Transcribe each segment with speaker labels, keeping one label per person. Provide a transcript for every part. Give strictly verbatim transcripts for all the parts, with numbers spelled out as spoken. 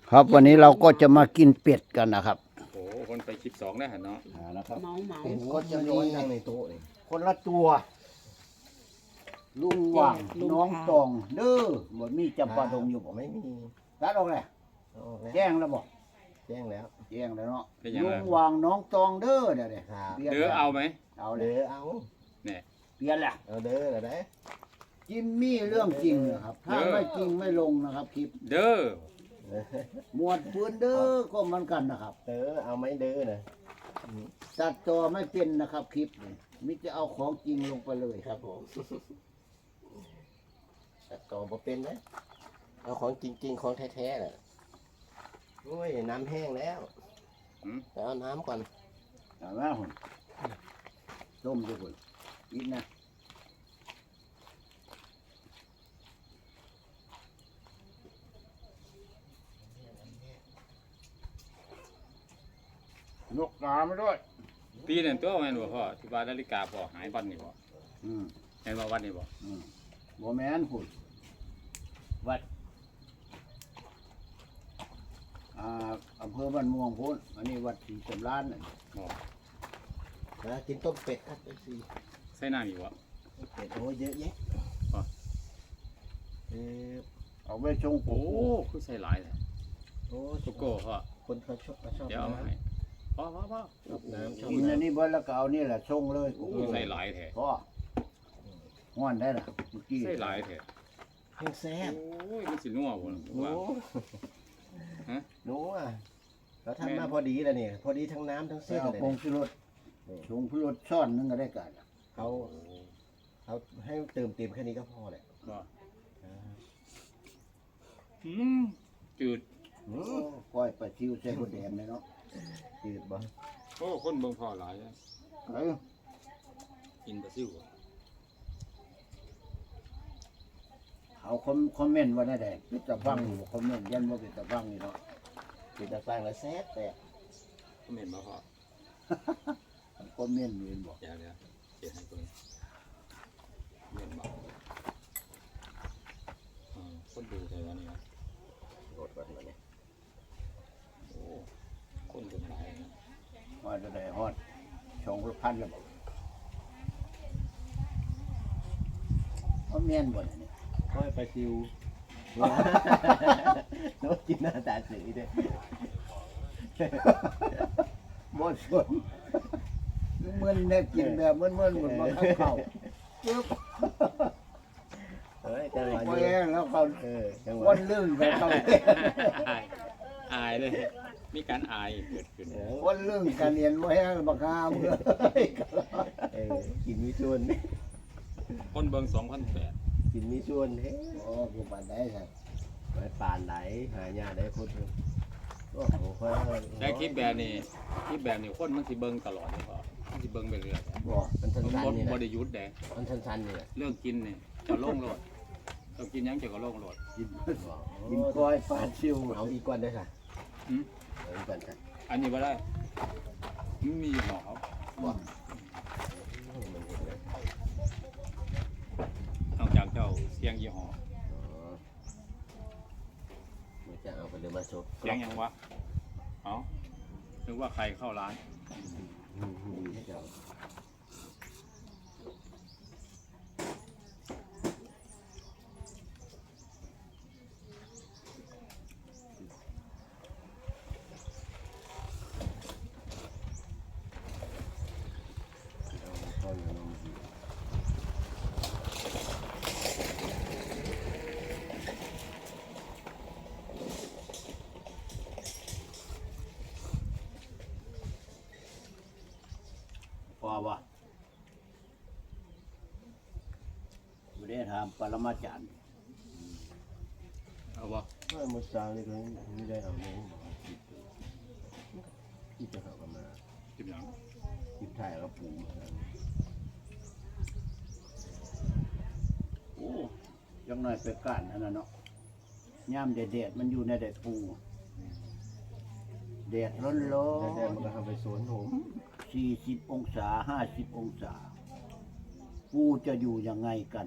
Speaker 1: ครับวันนี้เราก็จะมากินเป็ดกันนะครับ
Speaker 2: โอ้โหคนไปคลิปสองได้หันเนาะ
Speaker 1: อ่านะครับ
Speaker 3: เมาเมา
Speaker 1: เป็ด
Speaker 4: ก็
Speaker 1: ก็
Speaker 4: จะ
Speaker 1: จะ
Speaker 4: ร้อน
Speaker 1: มี
Speaker 4: นั่งในโต๊ะนี่
Speaker 1: คนละตัว ลุงหว่างน้องตองเด้อบ่มีจำปาดงอยู่บ่
Speaker 4: ไม่มี
Speaker 1: ตัดออกเลย
Speaker 4: เอาออกแล้ว
Speaker 1: แจ้งแล้วบ่
Speaker 4: แจ้งแล้ว
Speaker 1: แจ้งแล้วเนาะ
Speaker 2: เป็นยัง
Speaker 1: ลุ
Speaker 2: ไง
Speaker 1: งหว่างน้องตองเด้อเดี๋ยวเดี๋ยว
Speaker 4: ครับ
Speaker 1: ปลี่ยน
Speaker 2: เด้อเอาไหม
Speaker 1: เอาเล
Speaker 4: เด้
Speaker 1: ย
Speaker 4: อเอา
Speaker 2: เนี่ย
Speaker 1: เปลี่ยนแหละ
Speaker 4: เอาเด้อแล้วได้
Speaker 1: จิมมี่เรื่องจริงนะครับ ถ้าไม่จริงไม่ลงนะครับคลิป
Speaker 2: เด้อ
Speaker 1: หมวดปืนเด้อก็เหมือนกันนะครับ
Speaker 4: เด้อเอาไหมเด้อนะ
Speaker 1: ตัดต่อไม่เป็นนะครับคลิปนี่มิจะเอาของจริงลงไปเลย
Speaker 4: ครับผมแต่ต่อบ่เป็นนะเอาของจริงๆของแท้ๆน่ะโอ้ยน้ำแห้งแล้ว
Speaker 2: หืม
Speaker 4: ไปเอาน้ำก่อน
Speaker 1: เอาไหมหุ่นต้มด้วยหุ่นอีกนะนกกาไม่ด้วย
Speaker 2: ปีนั่นตัวแม่นบ่พ่อที่ว่านาฬิกาพ่อหายวันนี่บ่
Speaker 1: อืม
Speaker 2: แม่นว่าวันนี่บ่
Speaker 1: อืมโมแมนหุ่นวัดอ่าอำเภอบ้านม่วงพุ่นอันนี้วัดศรีสำรานน่ะ
Speaker 2: บ่
Speaker 4: นะกินต้มเป็ดครับเอฟซี
Speaker 2: ใส่น้ำอีกบ่
Speaker 4: เป็ดโอ้ยเยอะแยะ
Speaker 2: อ๋อ
Speaker 4: เออ
Speaker 1: เอาไว้ชง
Speaker 2: โอ้
Speaker 1: โอ้
Speaker 2: คือใส่หลายเลย
Speaker 4: โอ้
Speaker 2: โกโก้พ่อ
Speaker 4: คนเขาชอบเขาชอบ
Speaker 2: เดี๋ยวเอามาให้พ่อพ่อพ่อ
Speaker 4: ชอบน้ำชอบ
Speaker 1: กินอัน
Speaker 4: น้ำ
Speaker 1: นี้เบิดแล้วก็เอานี่แหละชงเลย
Speaker 2: คือใส่หลายแท้
Speaker 1: พ่อห้อนได้ล่ะเมื่อกี้
Speaker 2: ใส่หลายแท้
Speaker 4: แห้งแซ่บ
Speaker 2: โอ้ยมันสินัวบ่ล่ะ
Speaker 4: โอ้
Speaker 2: ว่า ฮะ
Speaker 4: หนูอ่ะเราทำมาพอดีแล้วนี่พอดีทั้งน้ำทั้ง
Speaker 1: ไป
Speaker 4: เส้น
Speaker 1: เอา
Speaker 4: เลย
Speaker 1: ผง
Speaker 4: นะ
Speaker 1: ชูรสชงชูรสช้อนหนึงก็ได้กัน
Speaker 4: เขาเขาให้เติมเต็มแค่นี้ก็พอแหละ
Speaker 2: บ่
Speaker 4: อ่า
Speaker 2: อืมจืด
Speaker 4: อื
Speaker 1: โอ้
Speaker 4: ม
Speaker 1: ก้อยปลาชิวใส่บดแดงเลยเนาะ
Speaker 4: จืดบ่
Speaker 2: โอ้คนเบิ่งพ่อหลายนะ
Speaker 1: เอ้ย
Speaker 2: กินปลาซิวบ่
Speaker 1: เอาคอมคอมเมนต์ว่าได้แดงเป็นตะฟังอยู่คอมเมนต์ยันว่าเป็นตะฟังนี่เนาะ
Speaker 4: จืดตะฟังแล้วแซ่บแต่
Speaker 2: ก็เหม็นบ่พ่อ
Speaker 1: คอมเมนต์เห็นบอก
Speaker 2: เดี๋ยวเดี๋ยวเดี๋ยวให้เบิ่งเหม็นบ่อ่าคนดูใช่ว่านี่นะ
Speaker 4: โดดก่อนมาเนี่ย
Speaker 2: โอ้คนเป็นหลายนะ
Speaker 1: ว่าจะได้ฮอดชงรถพันแล้วบอกคอมเมนต์บ่เนี่ย
Speaker 4: ค่อยไปซิวโน้ตกินหน้าตาสีด้วย
Speaker 1: บ่สนเหมือนได้กินแบบเหมือนเหมือนเหมือนมาข้าวเข้าปึ๊บ
Speaker 4: เฮ้ยจังหวะ
Speaker 1: พอ
Speaker 4: นี้
Speaker 1: แห้งแล้วเขา
Speaker 4: เออจังหวะ
Speaker 1: วันลื่นไปเขา
Speaker 2: อายอายเลย มีการอายเกิดขึ้น
Speaker 4: เออ
Speaker 1: วันลื่นการเรียนว่าแห้งบักฮามเลย
Speaker 4: เออกินมีชวน
Speaker 2: คนเบิ่งสองพันแปด
Speaker 4: กินมีชวนเฮ้
Speaker 1: โอ้กูปานได้ครับ
Speaker 4: ไปป่านไหนหายาได้พูดเถอะโอ้โหค่อย
Speaker 2: แต่คลิปแบบนี้คลิปแบบนี้คนมันสิเบิ่งตลอดเลยพ่อมันสิเบิ่งไปเรื่อย
Speaker 1: บอก
Speaker 4: มัน
Speaker 2: ผม
Speaker 4: สั้น
Speaker 2: บ่
Speaker 4: ๆนี่
Speaker 2: บ่
Speaker 4: นะ
Speaker 2: ได้หยุดแดง
Speaker 4: มันสั้นๆนี่แหละ
Speaker 2: เรื่องกินนี่จะลงโลดต้องกินหยังจะก็ลงโลด
Speaker 1: กิน
Speaker 4: บอก
Speaker 1: กินก้อยปลาชิว
Speaker 4: เอาอีกก้อนด้วยค่ะ
Speaker 2: หืม
Speaker 4: เอาอีกก้อนค่ะ
Speaker 2: อันนี้บ่ได้มันมีอยู่หมอเขา
Speaker 1: บอก
Speaker 2: นอกจากเจ้าเสียงยี่ห้อ
Speaker 4: มันจะเอาไปเลยมาชก
Speaker 2: เสียงหยังวะเอ้านึกว่าใครเข้าร้าน
Speaker 4: ดีให้เจ้า
Speaker 1: ก้อยนมดีพอวะไม่ได้ทำปรมาจารย์
Speaker 2: เอาบ่
Speaker 4: เมื่อมื้อเช้านี่ก็ไม่ได้เอาเนื้อหมูที่จะเอามา
Speaker 2: กินหยัง
Speaker 4: คลิปถ่ายแล้วปูมา
Speaker 1: โอ้ยังน้อยไปก้านนั่นน่ะเนาะย่ามแดดๆมันอยู่ในแดดปูแดดร้อน
Speaker 4: แล้วแต่มันก็ทำไปสวนผม
Speaker 1: ๆสี่สิบองศาห้าสิบองศา ปูจะอยู่ยังไงกัน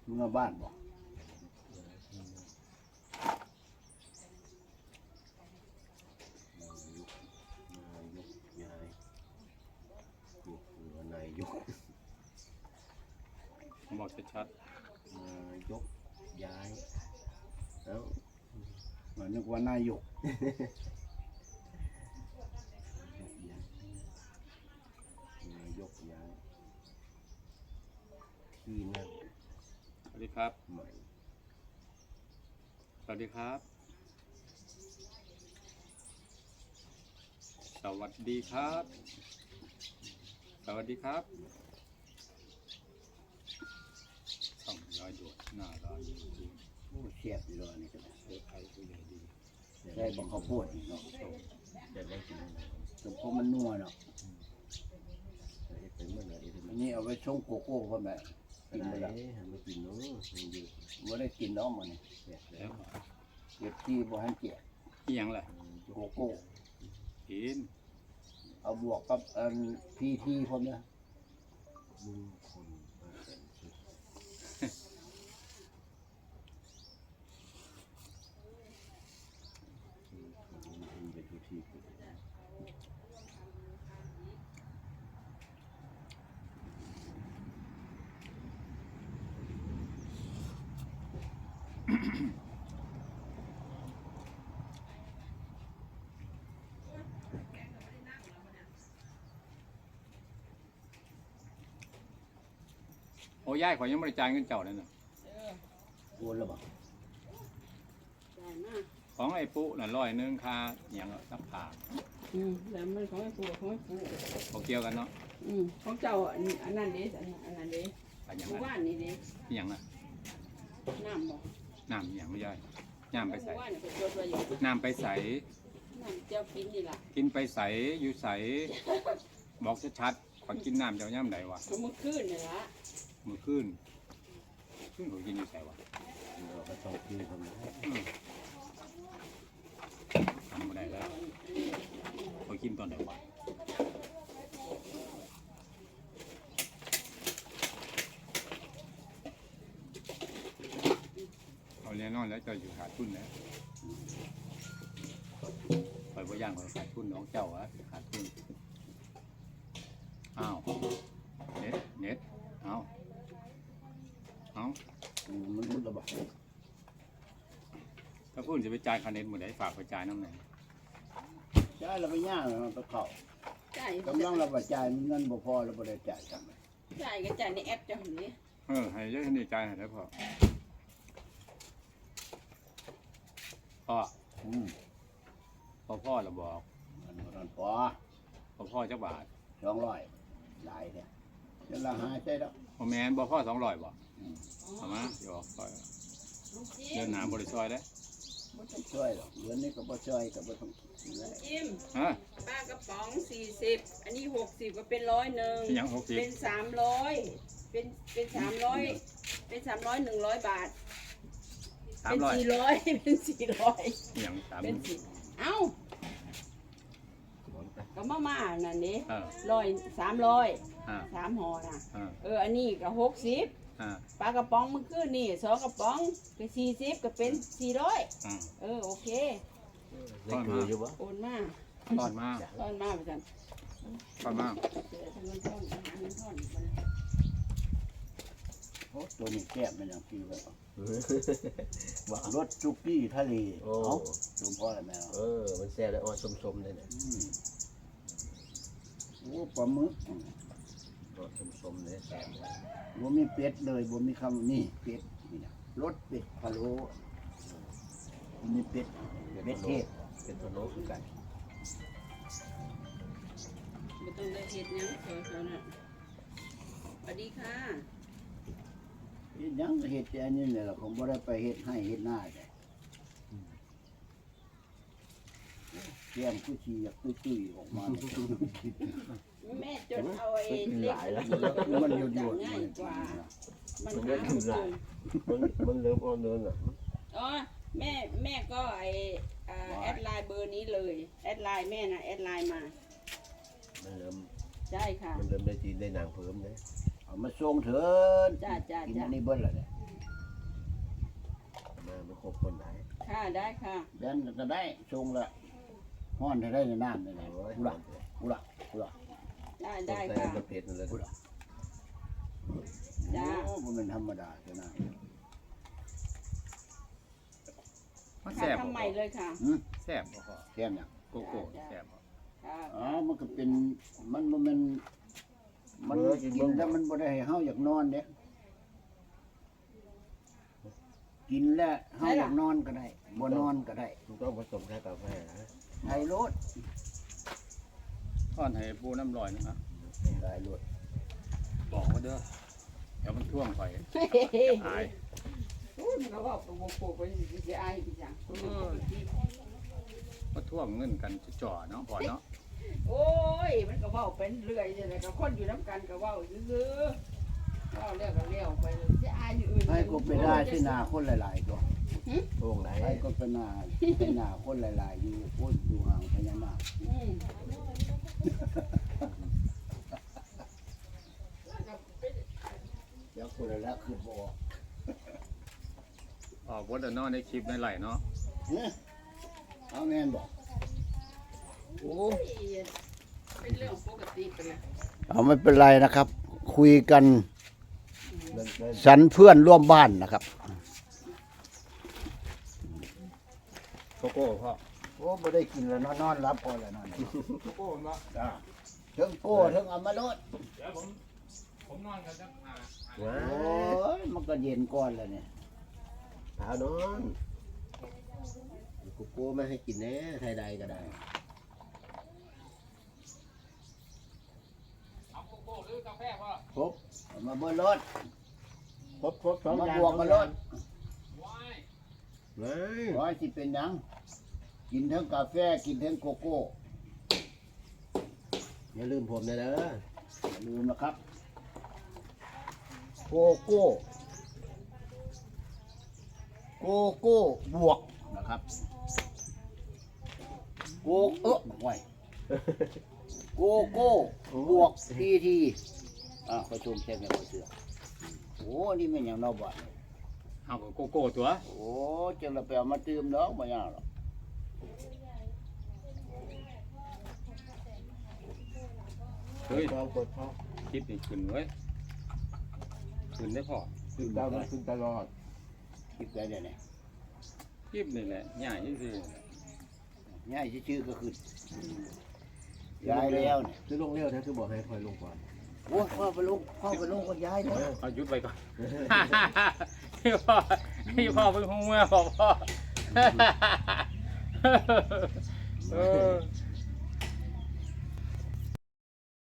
Speaker 1: เมื่อบ้านบ่
Speaker 4: นายกนายก
Speaker 2: ผมบอกชัด
Speaker 4: นายกย้ายเอ้า
Speaker 1: มันนึกว่านายก
Speaker 4: นายกย้ายที่นั่ง
Speaker 2: ๆสวัสดีครับ
Speaker 4: ใหม่
Speaker 2: สวัสดีครับ สวัสดีครับ สวัสดีครับส่องร้อยด่วนหน้าร้านจริง
Speaker 1: โอ้เสียบอยู่เลยนี่ก็ได้
Speaker 2: เลือกใครผู้ใหญ่ดี
Speaker 1: ได้บังข้าวโพดนี่เนาะ
Speaker 4: จะได้กินอะไร
Speaker 1: สมพมันนัวเนาะ
Speaker 4: เป็นเมื่อไหร่ที่
Speaker 1: อั
Speaker 4: มัน น
Speaker 1: นี้เอาไว้ชงโกโก้พ่อแม่
Speaker 4: กิ
Speaker 1: กิ
Speaker 4: น
Speaker 1: น
Speaker 4: ไป
Speaker 1: ไป
Speaker 4: แล้
Speaker 1: แล้ว ว
Speaker 4: มากินเนาะมันอยู่
Speaker 1: บ่ได้กินน้องมันนี่
Speaker 2: แล้ว
Speaker 1: เก็บที่บ่ให้เกีย
Speaker 2: อีหยังล่ะ
Speaker 1: โกโก้
Speaker 2: กิน
Speaker 1: เอาบวกกับอันพีทีพ่อแม่
Speaker 4: ลุงคนมาแต่งชุดลุงเป็นทุกที่
Speaker 2: โอ้ย่ายขอยยังไม่ได้จ่ายเงินเจ้าเลยนะ
Speaker 1: โอนแล้วบ่
Speaker 3: ได้มาก
Speaker 2: ของไอ้ปุ๊น่ะร้อยหนึงค่าอหย่างนักผ่า
Speaker 3: อืมแล้วมันของไอ้ปูของไอ้ปู
Speaker 2: เขาเกี่ยวกันเนาะ
Speaker 3: อืมของเจ้าอันอันนั้นเด้อันอันนั้นเด้
Speaker 2: อันอย่าง
Speaker 3: หมู่
Speaker 2: นั้น
Speaker 3: บ้านนี่เด้
Speaker 2: อหย่างน่ะ
Speaker 3: น้ำบ่
Speaker 2: น้ำอหย่างไม่ย่อยน้ำไป
Speaker 3: หมู่
Speaker 2: ใส่
Speaker 3: บ้านนี่ก็ตัวตัวอยู่
Speaker 2: น้ำไปใส่
Speaker 3: น้ำเจ้ากินนี่ล่ะ
Speaker 2: กินไปใส่อยู่ใส่บอกชัดๆขอกินน้ำเจ้าย่ำใดวะ
Speaker 3: ก็มื้อคืนนี่ล่ะ
Speaker 2: มือขึ้นขึ้นเขากินอยู่ใส่วะ
Speaker 4: เราก็ต้องกินทำไม
Speaker 2: ทำไม่ได้แล้วเขากินตอนไหนวะเอาแน่นอนแล้วเจ้าอยู่ขาดทุนแล้วคอยว่าย่างคอยขาดทุนน้องเจ้าอะขาดทุนอ้าวเน็ตเน็ตเอาเอา
Speaker 1: อืมมันรุดแล้วบ่
Speaker 2: ถ้าพูดจะไปจ่ายค่าเน็ตหมดได้ฝากไปจ่ายน้ำไหน
Speaker 1: จ่ายแล้วไปย่างแล้วมันไปเข้า
Speaker 3: จ่าย
Speaker 1: กำลังเราบ่จ่ายมีเงินบ่พอเราบ่ได้จ่ายจังเลย
Speaker 3: จ่ายก็จ่ายในแอปเจ้าหั่นนี่
Speaker 2: เออให้เยอะนี่จ่ายให้ได้พอพ่อ
Speaker 1: อืม
Speaker 2: พ่อพ่อเราบอก
Speaker 1: มันบ่ทันพอ
Speaker 2: พ่อพ่อจักบาท
Speaker 1: สองร้อยหลายแท้เดี๋ยวเราหาใช่ดอก
Speaker 2: พ่อแม่นบ่พ่อสองร้อยบ่
Speaker 1: อืม
Speaker 2: เอามาเดี๋ยวซอย
Speaker 3: ลูกจิ้
Speaker 2: เดิน
Speaker 3: ม
Speaker 2: หนาบริซอยได้
Speaker 1: บ่ต้องช่วยหรอกเดือนนี้ก็บ่ช่วยก็บ่ต้องกินแล้ว
Speaker 3: จิ้ม
Speaker 2: ฮะ
Speaker 3: ปลากระป๋องสี่สิบอันนี้หกสิบก็เป็นร้อยหนึ่ง
Speaker 2: เป็นหยังหกสิบ
Speaker 3: เป็นสามร้อยเป็นเป็นสามร้อยเป็นสามร้อยหนึ่งร้อยบาท
Speaker 2: สาม
Speaker 3: เป็น
Speaker 2: ร้อย
Speaker 3: สี่ร้อยเป็นสี่ร้อย
Speaker 2: หยังสาม
Speaker 3: เป็นสี่เอ้าก็มาม่านั่นนี่
Speaker 2: เออ
Speaker 3: ร้อยสามร้อย
Speaker 2: อ่า
Speaker 3: สามห่อนะ
Speaker 2: อ่า
Speaker 3: เอออันนี้ก็หกสิบ
Speaker 2: อ่า
Speaker 3: ปลากระป๋องมันคือนี่สองกระป๋องก็สี่สิบก็เป็นสี่ร้อย
Speaker 2: อ่า
Speaker 3: เออโอเค
Speaker 4: ได้คืออยู่วะ
Speaker 3: โอนมา
Speaker 2: ตอนมา
Speaker 3: ตอนมาไปกัน
Speaker 2: ตอนมา
Speaker 3: เจอทางเงินท่อนอาหารเงินท่อนมัน
Speaker 1: โอ้ตัวนี้แก้มมันยังกินไว้เอา
Speaker 4: ว่าร
Speaker 1: สซุกี้ทะเล
Speaker 4: โอ้
Speaker 1: เอ้าลุงพ่อแล้วแม่
Speaker 4: เออมันแซ่บแล้วอ่อนสมๆเลยเนี่ย
Speaker 1: อืมโอ้ปลาหมึกอืม
Speaker 4: อ่อนสมๆเลยแซ่บเลย
Speaker 1: บ่มีเป็ดเลยบ่มีคำนี่เป็ดนี่นะรสเป็ดพะโล้บ่มีเป็ดเป็ดเทศ
Speaker 4: เป็นพะโล้คือกัน
Speaker 3: ไม่ต้องได้เห็ดหยังเออๆน่ะสวัสดีค่ะ
Speaker 1: เฮ็ดหยังก็เฮ็ดแต่อันนี้แหละล่ะผมบ่ได้ไปเฮ็ดให้เฮ็ดหน้าแต่แก้มกูสิอยากตุ้ยๆออกมาเนี่ย
Speaker 3: แม่จดเอาไอ้เล็ก
Speaker 1: มันอยู่อยู่
Speaker 3: ง่ายกว่า มัน
Speaker 4: มัน
Speaker 3: หา
Speaker 4: เริ่ม
Speaker 3: ไม่เจ
Speaker 4: หลา
Speaker 3: อย
Speaker 4: มันมันเริ่มอ่อนเนินอ่ะ
Speaker 3: อ๋อแม่แม่ก็ไออ่าแอดไลน์เบอร์นี้เลย แอดไลน์แม่นะแอดไลน์มา
Speaker 4: มันเริ่ม
Speaker 3: ใช่ค่ะ
Speaker 4: มันเริ่มได้จีนได้นางเพิ่มเลย
Speaker 1: เอามาส่งเถิน
Speaker 3: จ้าจ้า
Speaker 1: กิน
Speaker 3: จ้า
Speaker 1: อันนี้เบิ่นแล้วเนี่ย
Speaker 4: มาไม่ครบคนไหน
Speaker 3: ค่ะได้ค่ะ
Speaker 1: แบนก็ได้ชงละห้อนได้ในน้ำนี่แหละ
Speaker 4: โอ้ย
Speaker 1: กูละกูละกูละ
Speaker 3: ได้
Speaker 4: ต้
Speaker 3: ได้
Speaker 4: องใส่
Speaker 3: ค่ะ
Speaker 4: ประเภทนั่นเลย
Speaker 3: จ้า
Speaker 1: โอ้มันเป็นธรรมดาจ้ะนะ
Speaker 2: มัน
Speaker 3: ค่ะ
Speaker 2: แซ่บบ่
Speaker 3: ทำใหม่เลยค่ะ
Speaker 1: หืม
Speaker 2: แซ่บบ่พอ
Speaker 1: แค่นี้
Speaker 2: โกโก้แซ่บบ่
Speaker 3: ค่ะ
Speaker 1: อ๋อมันก็เป็นมันบ่แมันมันกินแล้วมันบ่ได้ให้เฮาอยากนอนเด้กินแล้วเฮาอยากนอนก็ได้บ่นอนก็ได้
Speaker 4: มันต้องผสมแค่กาแฟนะ
Speaker 1: ไทยโลด
Speaker 2: ทอดให้ปูน้ำลอยนะครับ
Speaker 1: ได้โลด
Speaker 2: บอกว่าเด้อเดี๋ยวมันท่วงไปอาย
Speaker 3: โอ้ยมันก็บอกตัวโปกไปสิอายพี่จัง
Speaker 2: มาท่วงเงินกันจ่อๆเนาะพอเนาะ
Speaker 3: โอ้ยมันก็เว้าเป็นเรื่อยนี่แหละก็คนอยู่น้ำกันก็เว้าซื่อๆเว้าแล้วก็เลี้ยวไปสิอายอยู่อื่น
Speaker 1: ให้ก็ไปได้ที่นาคนหลายๆตัว
Speaker 4: ช่วงไหน
Speaker 1: ให้ก็เป็นนาเป็นนาคนหลายๆอยู่โอ้ยอยู่ห่างพญานาค
Speaker 3: อืม
Speaker 1: เดี๋ยวคนละคือบ่
Speaker 2: ออกวัดเนาะในคลิปในไหลเนาะ
Speaker 1: เฮ้ยเอาแม่นบอก
Speaker 3: โอ้ยเป็นเรื่องปกติไปเลย
Speaker 1: เอาไม่เป็นไรนะครับ คุยกัน
Speaker 4: เล่นเล่น
Speaker 1: สันเพื่อนร่วมบ้านนะครับ
Speaker 2: โกโก้พ่อ
Speaker 1: โอ้ไม่ได้กินแล้วนอนนอนรับพอแล้วนอน
Speaker 2: โกโก้เนาะ
Speaker 1: จ้าเทิงโก้เทิงเอามาโลด
Speaker 2: เดี๋ยวผมผมนอนกันจักหา
Speaker 4: ว้า
Speaker 1: โอ้ยมันก็เย็นก่อนแล้วเนี่ย
Speaker 4: หานอนกูโก้ไม่ให้กินแน่ไทยใดก็ได้
Speaker 2: เอาโกโก้หรือกาแฟพ่อ
Speaker 1: ครบเอามาเบิ่รถ
Speaker 4: ครบครบสอง
Speaker 1: มา
Speaker 4: อย่าง
Speaker 1: บวกมาโลด
Speaker 2: ว้าย
Speaker 4: เฮ้ย
Speaker 1: ร้อยสิเป็นหยังกินทั้งกาแฟกินทั้งโกโก้
Speaker 4: อย่าลืมผมนะเด้อ
Speaker 1: อย่าลืมนะครับ โกโก้ โกโก้บวกนะครับโกเอ๊ะไว้โกโก้บวกทีทีอ่ะขอชมแค่แม่ขอเสือโอ้นี่มันอย่างนอกบ้าน
Speaker 2: เอากับโกโก้ตัว
Speaker 1: โอ้จังเราไปเอามาตื่มดอกบ่ยากหรอก
Speaker 2: เฮ้ย
Speaker 4: กดกดพ่อ
Speaker 2: คลิปนี่ขึ้นเว้ยขึ้นได้พอ
Speaker 4: ขึ้นตลอดขึ้นตลอด
Speaker 1: คิดได้เดี๋ยวนี้
Speaker 2: คลิปนี่แหละง่ายที่สุด
Speaker 1: ง่ายชื่อๆก็คือย้ายแล้วเนี่ย
Speaker 4: คือลงเร็วนะคือบอกให้คอยลงก่อน
Speaker 1: โอ้ยพ่อไปลงพ่อไปลงก็ย้ายเลย
Speaker 2: เอาหยุดไปก่อน พี่พ่อพี่พ่อเป็นหัวพ่อพ่อเออ